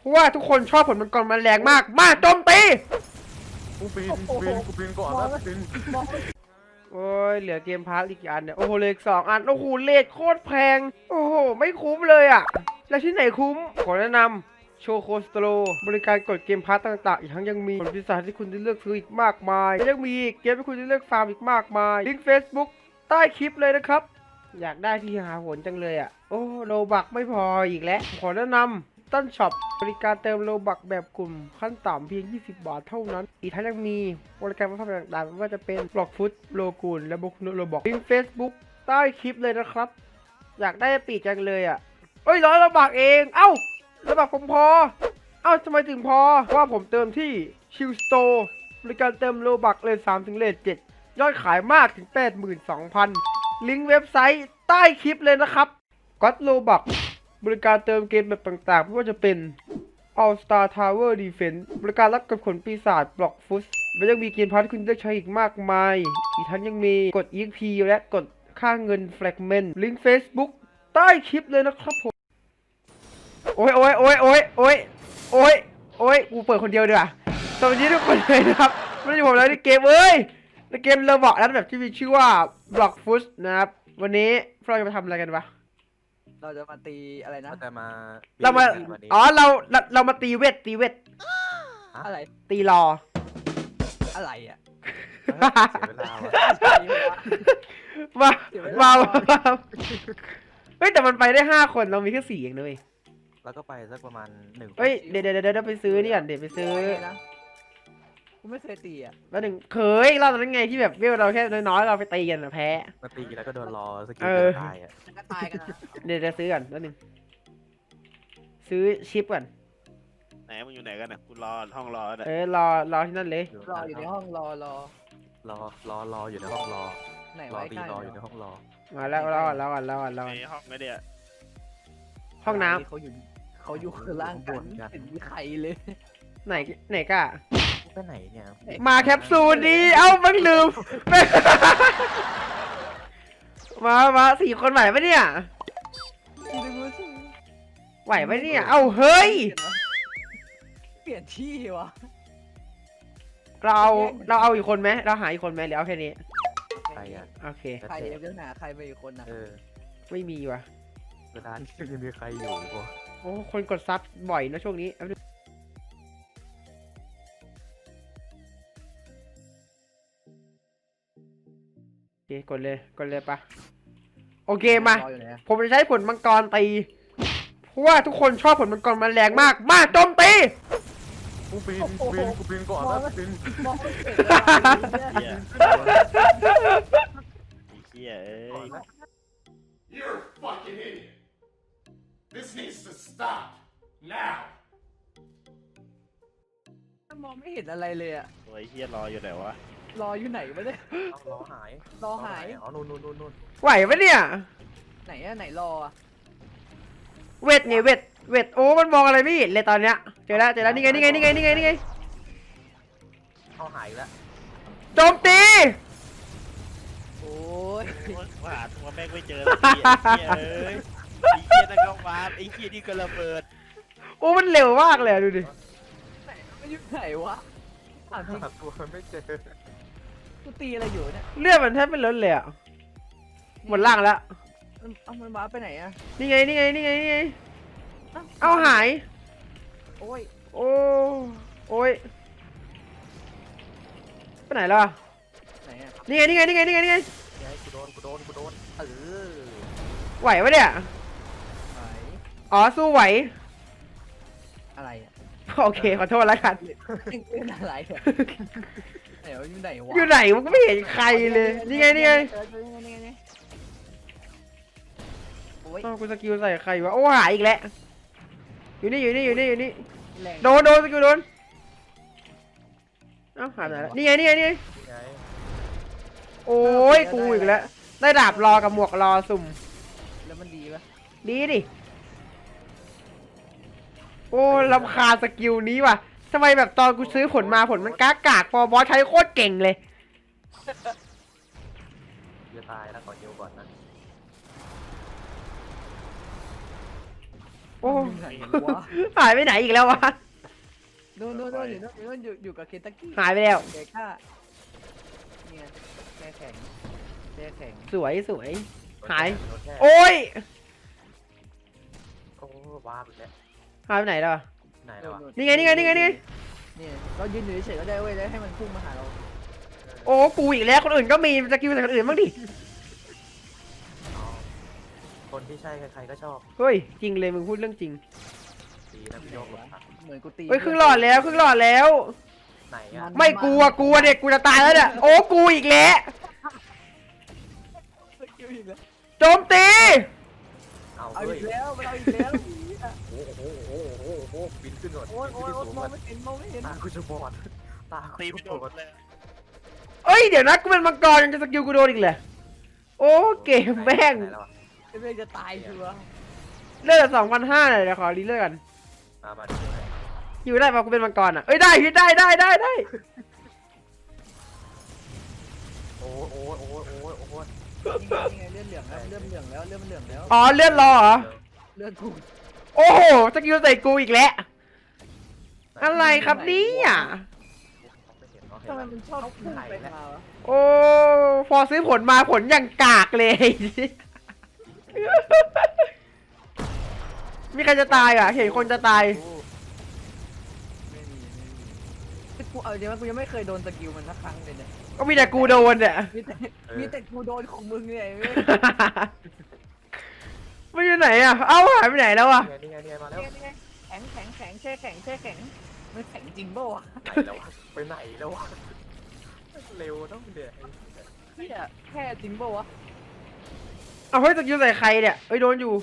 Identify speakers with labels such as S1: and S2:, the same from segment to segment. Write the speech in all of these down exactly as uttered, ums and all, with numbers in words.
S1: ราะว่าทุกคนชอบผลมังกรมันแรงมากมาโจมตี
S2: กูปีนกูปีนกูปีนก่อนนะปีน
S1: โอ้ยเหลือเกมพาร์ทอีกอันเนี่ยโอ้โหเหลืออีกสองอันโอ้โหเลทโคตรแพงโอ้โหไม่คุ้มเลยอ่ะแล้วที่ไหนคุ้มขอแนะนำโชโคสโตรบริการกดเกมพาร์ทต่างๆอีกทั้งยังมีผลพิเศษที่คุณได้เลือกซื้ออีกมากมายและยังมีเกมที่คุณได้เลือกฟาร์มอีกมากมายลิงก์ Facebook ใต้คลิปเลยนะครับอยากได้ที่หาผลจังเลยอ่ะโอ้โลบักไม่พออีกแล้วขอแนะนำต้นช็อปบริการเติมโลบักแบบกลุ่มขั้นต่ำเพียงยี่สิบบาทเท่านั้นอีกทั้งยังมีบริการมาทำต่างๆไม่ว่าจะเป็นบล็อกฟุตโลกูลและบุกโลบอกลิงก์ Facebook ใต้คลิปเลยนะครับอยากได้ปีกจังเลยอ่ะเอ้ยร้อยโลบักเองเอ้าโลบักผมพอเอ้าทำไมถึงพอว่าผมเติมที่ชิลสโตร์บริการเติมโลบักเลทสามถึงเลทเจ็ดยอดขายมากถึง แปดหมื่นสองพัน ลิงก์เว็บไซต์ใต้คลิปเลยนะครับก็อดโลบักบริการเติมเกมแบบต่างๆไม่ว่าจะเป็น All Star Tower Defense บริการรับกับขนปีศาจบล็อกฟุตและยังมีเกมพาร์ทที่คุณเลือกใช้อีกมากมายอีกทั้งยังมีกด อี เอ็กซ์ พี และกดค่าเงิน Fragment ลิงก์ Facebook ใต้คลิปเลยนะครับผมโอ้ยโอ้ยโอ้ยโอ้ยโอ้ยโอ้ยโอ้ยกูเปิดคนเดียวดีกว่าสวัสดีทุกคนเลยนะครับไม่ได้อยู่ผมแล้วในเกมเอ้ยในเกมเราบอกแล้วแบบที่มีชื่อว่า Block Foot นะครับวันนี้เราจะมาทำอะไรกันวะ
S3: เราจะมาตีอะไรนะ
S2: แต่มา
S1: เรามาอ๋อเราเราเรามาตีเวทตีเวท
S3: อะไร
S1: ตีรอ
S3: อะไรอ่ะ
S2: เสียเวลาว่ะ
S1: มามามาเฮ้ยแต่มันไปได้ห้าคนเรามีแค่สี่เองนะเว้ย
S2: แล้วก็ไปสักประมาณหนึ่ง
S1: เฮ้ยเดี๋ยวเดี๋ยวเดี๋ยวไปซื้อนี่ก่อนเดี๋ยวไปซื้อ
S3: นะกูไม่เคยตีอ่ะ
S1: แล้วหนึ่งเคยเราตอนนั้นไงที่แบบเวลเราแค่น้อยๆเราไปตีกันนะแพ้
S2: มาตีแล้วก็โดนรอสกิล
S1: เออ
S2: ตายอ่ะ
S3: ก็ตายกันนะ
S1: เดี๋ยวจะซื้อก่อนแล้วหนึ่งซื้อชิปก่อน
S4: ไหนมึงอยู่ไหนกันนะกูรอห้องรอเนี่ย
S1: เออรอรอที่นั่นเลย
S3: รออยู่ในห้องรอรอ
S2: รอรอรออยู่ในห้องรอ
S3: ไหน
S2: รอ
S3: ไว้
S2: ตี
S3: ใกล้
S2: รออยู่ในห้องรอ
S1: มาแล้วรอก่อนรอก่อนรอก่อนรอก่อน
S4: ในห้องไม่ได้อะ
S1: ห้องน้
S3: เขาอยู่เขาอยู่ข้างล่างกันเห็นมีใครเลย
S1: ำไหนไหนกะ
S2: ไปไหนเนี่ย
S1: มาแคปซูลดีเอ้ามันลืม มามาสี่คนไหวปะเนี่ยไหวปะเนี่ยเอ้าเฮ้ย
S3: เปลี่ยนที่วะ
S1: เราเอาเราเอาอีกคนไหมเราหาอีกคนไหมหรือเอาแค่นี้
S2: ใครอ่ะ
S1: โอเค
S3: ใครเดี๋ยวหาใครไปอีกคนนะ
S2: เออ
S1: ไม่มีว่ะ
S2: เวลาที่ยังมีใครอยู่อีกวะ
S1: โอ้คนกดซับบ่อยนะช่วงนี้โอเคกดเลยกดเลยปะโอเคมา
S3: รออยู่ไหนอะ
S1: ผมจะใช้ผลมังกรตีเพราะว่าทุกคนชอบผลมังกรมันแรงมากมาโจมตี
S2: กูปีนกูปีนกูปีนก่อนนะปีน
S3: มองไม่เห็นอะไรเลย
S4: เฮียไอ้เฮียเอ้ย
S5: You're a fucking idiot. This needs to stop now.
S3: มองไม่เห็นอะไรเลยอะ
S4: ตัวไอ้เฮียรออยู่ไหนวะ
S3: รออยู่ไหนวะเนี่ย
S2: รอหาย
S3: รอหาย
S2: อ๋อนู่นนู่นนู่นนู่น
S1: ไหวปะเนี่ย
S3: ไหนอะไหนรออะ
S1: เวทไงเวทเวทโอ้มันมองอะไรไม่เห็นเลยตอนเนี้ยเจอแล้วเจอแล้วนี่ไงนี่ไงนี่ไงนี่ไงนี่ไง
S2: เข้าหายแล้ว
S1: โจมตี
S3: โอ้ย
S4: โอ้ยหาตัวแม่งไม่เจอเลยไอ้เฮียเอ้ยไอ้เฮียนั่นก็วาร์ปไอ้เฮียนี่ก็ระเบิด
S1: โอ้มันเร็วมากเลยอะดูดิ
S3: ไหนมันอยู่ไหนวะถามจริง
S2: หาตัวไม่เจอ
S3: กูตีอะไรอยู่เนี่ย
S1: เลือดมันแทบไม่ลดเลยอะหมดล่างแล้ว
S3: มันเอามันว้าร์ปไปไหนอะ
S1: นี่ไงนี่ไงนี่ไงนี่ไง
S3: อ้ว
S1: เอาหาย
S3: โอ้ย
S1: โอ้โอ้ยไปไหนแล้วอะ
S3: ไหนอะ
S1: นี่ไงนี่ไงนี่ไงนี่ไงนี่ไง
S2: ไงกูโดนกูโดนกูโดนเออ
S1: ไหวปะเนี่ย
S3: ไหน
S1: อ๋อสู้ไหว
S3: อะไรอะ
S1: โอเคขอโทษแล้วกัน
S3: เล่นอะไรอะไหนวะอยู่ไหนวะ
S1: อยู่ไหนมันก็ไม่เห็นใครเลยนี่ไงนี่ไง
S3: เออนี่ไงนี่ไงนี่ไงโอ้ย
S1: อ้าวกูสกิลใส่ใครวะโอ้หายอีกแล้วอยู่นี่อยู่นี่อยู่นี่อยู่นี่
S3: แรง
S1: โดนโดนสกิลโดนเอ้าหายไปไหนแล้วนี่ไงนี่ไงนี่ไง
S2: นี่ไง
S1: โอ้ยกูอีกแล้วได้ดาบรอกับหมวกรอสุ่ม
S3: แล้วมันดีปะ
S1: ดีดิโอ้รำคาญสกิลนี้ว่ะทำไมแบบตอนกูซื้อผลมาผลมันกากากพอบอสใช้โคตรเก่งเลย
S2: จะตายแล้วขอเยียวก่อนนะ
S1: โอ้อ้
S3: ไหนวะ
S1: หายไปไหนอีกแล้ววะ
S3: โน่นโน่นโน่นอยู่โน่นอยู่โน่นอยู่อยู่กับเคนตักกี้
S1: หายไปแล้ว
S3: เด็กข้าเนี่ยแช่แข็งแช่แข็ง
S1: สวยสวย หาย
S2: โดนแช่
S1: โอ้ย
S2: โอ้ว้าไปแล้ว
S1: หายไปไหนแล้วอะ
S2: ไหนแล้วอะ
S1: นี่ไงนี่ไงนี่ไงนี่ไง
S3: นี่เรายืนอยู่เฉยๆก็ได้เว้ยแล้วให้มันพุ่งมาหาเรา
S1: โอ้กูอีกแล้วคนอื่นก็มีสกิลแต่คนอื่นบ้างดิ
S2: อ๋อคนที่ใช่ใครๆก็ชอบ
S1: เฮ้ยจริงเลยมึงพูดเรื่องจริง
S2: ดีนะพี่โยกหลบทัน
S3: เหมือนกูตี
S1: เฮ้ยครึ่งหลอดแล้วครึ่งหลอดแล้ว
S2: ไหนอะ
S1: ไม่กลัวกลัวเด็กกูจะตายแล้วเนี่ยโอ้กูอีกแล้ว
S3: สกิลอีกแล้ว
S1: โจมตี
S2: เอา
S3: เอา
S2: เฮ้
S3: อี
S2: ย
S3: กแล้วมันเอาอีกแล้ว
S2: โอ้โหโอ้โหโอ้โหบินขึ้นก่อน
S3: โอ้ยโอ้ย
S2: บิน
S3: โอ้ย
S2: ขึ้น
S3: ม
S2: สู
S3: อง
S2: ง
S3: ไม่เห็นมองไม่เห็น
S2: ตากูจะบอดตา
S4: ตี
S2: กู
S4: ไม่
S2: จะ
S4: โด
S2: บอน ด
S4: เลย
S1: เอ้ยเดี๋ยวนะกูเป็นมังกรยังจะสกิลกูโดนอีกเลยโอ้เกมแม่ง
S2: ไหนแล้วอะ
S3: ไอ้เมฆจะตายชัวร์
S1: เลือดสองพันห้าเลยเดี๋ยวขอรีเลือดกัน
S2: มามาดูหน่อย
S1: อยู่ได้ปะกูเป็นมังกรอ่ะเอ้ยได้พี่ได้ได้ได้ได้
S2: โอ้โอ้โอ้โอ้โอ้โอ้
S3: นี่ไงนี่ไงเลือดเหลืองแล้วเลือดเหลืองแล้วเลือดมันเหลืองแล้ว
S1: อ๋อเลือดรอเหรอ
S3: เลือดกู
S1: โอ้โหสกิลใส่กูอีกแล้วอะไรครับเนี่ย
S2: ไม่เห็นเนาะเห็น
S3: ทำไม
S2: แล้ว
S3: มันชอบพุ่งไปมาวะ
S1: โอ้พอซื้อผลมาผลอย่างกากเลย มีใครจะตายอ่ะ เห็นคนจะตาย
S3: ไม่มีไม่มีกูเอาจริงว่ากูยังไม่เคยโดนสกิลมันสักครั้งเลยเนี่ย
S1: ก็มีแต่กูโดนเนี่ย
S3: มีแต่มีแต่กูโดนของมึงเนี่ยไอ้เว้ย
S1: ไม่อยู่ไหนอ่ะ เอ้าหายไปไหนแล้วอ่ะ
S2: นี่ไงนี่ไงนี่ไงมาแล้ว
S3: นี่ไงนี่ไงแข็งแข็งแข็งแช่แข็งแช่แข็งมันแข็งจริงเปล่าวะ
S2: ไหนแล้ววะไปไหนแล้ววะเร็วต้องเดือด
S3: เฮียแค่จริงเปล่าวะ
S1: เอาเฮ้ยสกิลใส่ใครเนี่ยเอ้ยโดนอยู่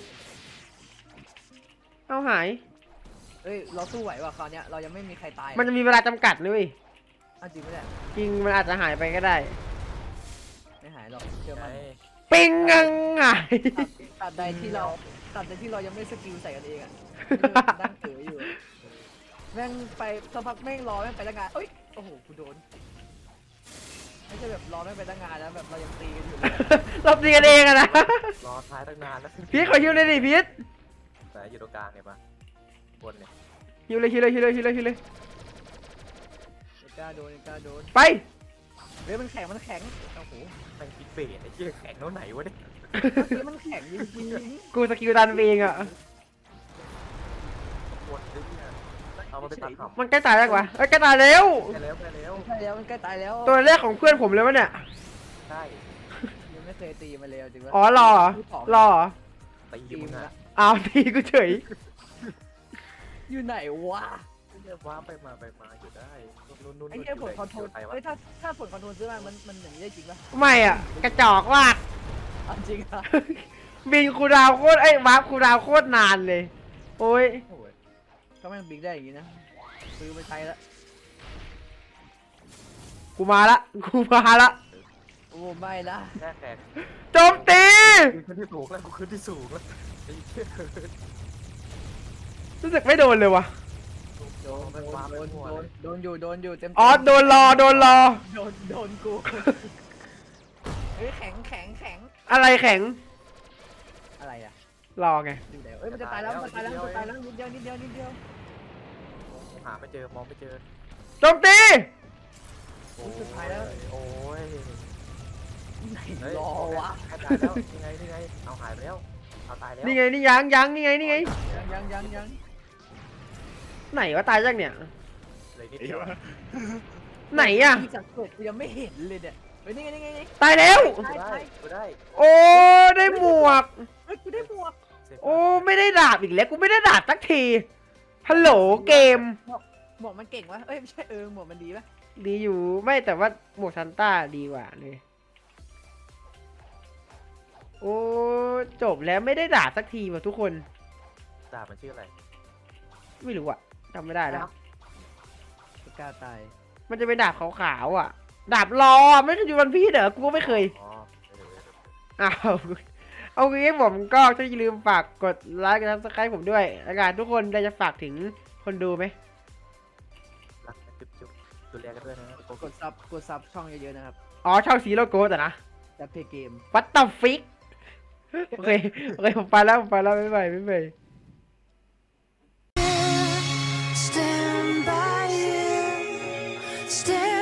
S1: เอาหาย
S3: เอ้ยเราสู้ไหวว่ะคราวเนี้ยเรายังไม่มีใครตาย
S1: มันจะมีเวลาจำกัดด้วย
S3: เอาจริงไหมเนี่ย
S1: จริงมันอาจจะหายไปก็ได้
S3: ไม่หายหรอกเชื่อ
S2: ไง
S3: มัน
S1: ปิงงังหาย
S3: ตัดใดที่เราตัดใดที่เรายังไม่สกิลใส่กันเองอ่ะนั่งเอ๋ยอยู่แม่งไปสักพักแม่งรอแม่งไปตั้งงานเอ้ยโอ้โหกูโดนไม่ใช่แบบรอแม่งไปตั้งงานแล้วแบบเรายังตีกันอยู่เลย
S1: รอบตีกันเองอะนะ
S2: รอท้ายตั้งนานแล้ว
S1: พีทขอฮิวเลยดิพีท
S2: แต่อยู่ตรงกลางเนี่ยปะบนเนี่ย
S1: ฮิวเลยฮิวเลยฮิวเลยฮิวเลยฮิวเลย
S3: ไอ้กล้าโดนไอ้กล้าโดน
S1: ไป
S3: เฮ้ยมันแข็งมันแข็งโอ้โห
S2: แม่งคิดเบสไอ้เหี้ยแข็งเท่าไหนวะเนี่ย
S3: เฮ้ยมันแข็งจริง
S1: กูสกิลดันเองอะ
S2: ปวดเลยเนี่ยเอามาไปตัดขับ
S1: มันใกล้ตายแล้วกว่าเอ้ยใกล้ตายแล้ว
S2: ไปแล้วไปแล้ว
S3: ๆใช่แล้วมันใกล้ตายแล้ว
S1: ตัวแรกของเพื่อนผมเลยวะเนี่ย
S2: ใช่
S3: ยังไม่เคยตีมาเลยจริงวะ
S1: อ๋อรอเหรอรอเหรอ
S2: ตี
S3: ตี
S2: มึง
S3: มา
S2: อะ
S3: ละ
S1: อ้าวทีกูเฉย
S3: อยู่ไหนวะ
S2: เรียกว่าไปมาไปมาอยู่ได้นู่นนู่น
S3: ไอ้เหี้ยผลคอนโทรล
S2: ใครวะ
S3: เอ้ยถ้าถ้าผลคอนโทรลซื้อมามันมันอย่างนี้ได้จริงปะ
S1: ไม่อะกระจอกมาก
S3: เอาจริงอะ
S1: บินคูลดาวน์โคตรไอ้ยวาร์ปคูลดาวน์โคตรนานเลย โอ้ย
S3: โอ้ยก็แม่งบิ๊กได้อย่างนี้นะซื้อไปใช้แล้ว
S1: กูมาละกูมาละ
S3: โอ้ไม่ละ
S2: แค่แขก
S1: โจมตี
S2: กูขึ้นที่สูงแล้วกูขึ้นที่สูงแล้วไอ้เหี้ย
S1: รู้สึกไม่โดนเลยวะ
S3: โดนโดนโดนโดนโดนอยู่โดนอยู่เต็ม
S1: อ๋อโดนรอโดนรอ
S3: โดนโดนกูเฮ้ยแข็งแข็งแข็ง
S1: อะไรแข็ง
S3: อะไรอะ
S1: รอไง
S3: อยู่ไหนเอ้ยมันจะตายแล้วมันจะตายแล้วมันจะตายแล้วนิดเดียวนิดเดียวนิดเดียว
S2: หาไม่เจอมองไม่เจอ
S1: โจมตี
S2: โอ้ยโอ้ย
S3: ไหน
S2: เฮ้ย
S3: รอวะ
S2: แค่ตายแล้วนี่ไงนี่ไงเอาหายไปแล้วเอาตายแล้ว
S1: นี่ไงนี่ยังยังนี่ไงนี่ไง
S3: ยังยังยังยัง
S1: ไหนวะตายยังเนี่ย
S2: เลยนิดเดียว
S1: ไหนอะ
S3: ที่สังเกตกูยังไม่เห็นเลยเนี่ยเฮ้ยนี่ไงนี่ไงนี่
S1: ตายแล้ว
S2: กูได้กูได้
S1: โอ้ได้หมวก
S3: เฮ้ยกูได้หมวก
S1: โอ้ไม่ได้ดาบอีกแล้วกูไม่ได้ดาบสักทีฮัลโหลเกม
S3: หมวกมันเก่งวะเอ้ยไม่ใช่เออหมวกมันดีปะ
S1: ดีอยู่ไม่แต่ว่าหมวกซันต้าดีกว่าเลยโอ้จบแล้วไม่ได้ดาบสักทีว่ะทุกคน
S2: ดาบมันชื่ออะไร
S1: ไม่รู้อะจำไม่ได้แล้ว
S3: กูกล้าตาย
S1: มันจะเป็นดาบขาวๆอะดาบรอไม่เคยอยู่วันพีชเหรอกูก็ไม่เคย
S2: อ๋อ
S1: อ้าวเอางี้ผมก็อย่าลืมฝากกดไลค์กดซับสไครต์ผมด้วยแล้วกันทุกคนเราจะฝากถึงคนดูไหม
S2: รักจุ๊บจุ๊บดูแลกันด้วยนะ
S3: กดซับกดซับช่องเยอะๆนะครับ
S1: อ๋อช่องสีโลโก้แต่นะ
S3: จะเพย์เกม
S1: วัตต์ฟิกโอเคโอเคผมไปแล้วผมไปแล้วไม่ไปไม่ไป
S6: Stare